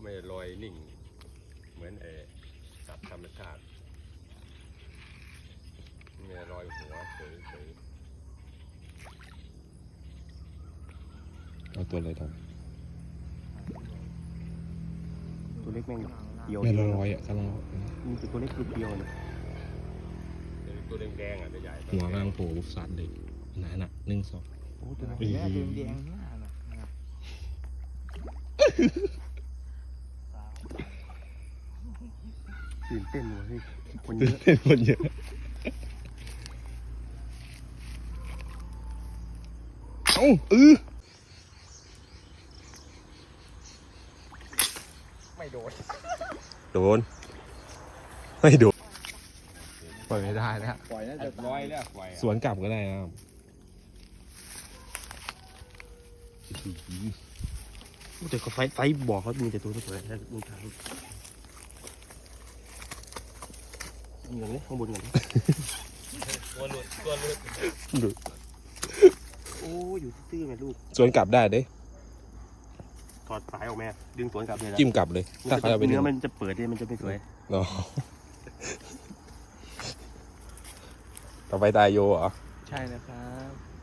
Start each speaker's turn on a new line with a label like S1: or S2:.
S1: ไม่ลอยนิ่งเหมือนสัตว์ธรรมชาติไม่ลอยหัวเฉย
S2: เอาตัวอะไรทำ
S3: ตัวเล็กแม่งเดียว
S2: ไม่ลอยอ่ะกำลัง
S3: มีแต่ตัวเล็กตัวเดียวเนี่ย
S1: ตัวแดงๆใหญ่ๆ
S2: หัวกำลังโผล่บุกสัตว์เลยหนาๆ1 2
S3: โอ้ตัว
S4: แม่ดึงแดงหน้าน่ะ
S3: ตื่นเต้นว่ะเฮ้ยคนเย
S2: ตื่น
S3: อะ
S2: เต้นคนเยอะเอ้า
S1: ไม่โดน
S2: โดนไม่โดนปล่อยไม่ได้นะ
S4: ปล่อยน่าจะ
S1: ลอยแล้วไฟ
S2: สวนกลับก็ได้นะครับ
S3: แต่เขาไฟบอกเขามีแต่ตัวสวยๆแล้วมึงทางเหมือนเลยข้างบนเหมือน
S1: ตัวหลุด
S2: ดู
S3: โอ้อยู่ซื่อๆแม่ลูก
S2: สวนกลับได้เด้
S3: ถอดสายออกแม่ดึงสวนกลับเลยนะ
S2: จิ้มกลับเลยถ้าเขาจะไปดึ
S3: เนื้
S2: ง
S3: อมันจะเปิดเนี่ยมันจะไม่สวย
S2: เนาะต่อไปตายโยเหรอ
S4: ใช่นะครับ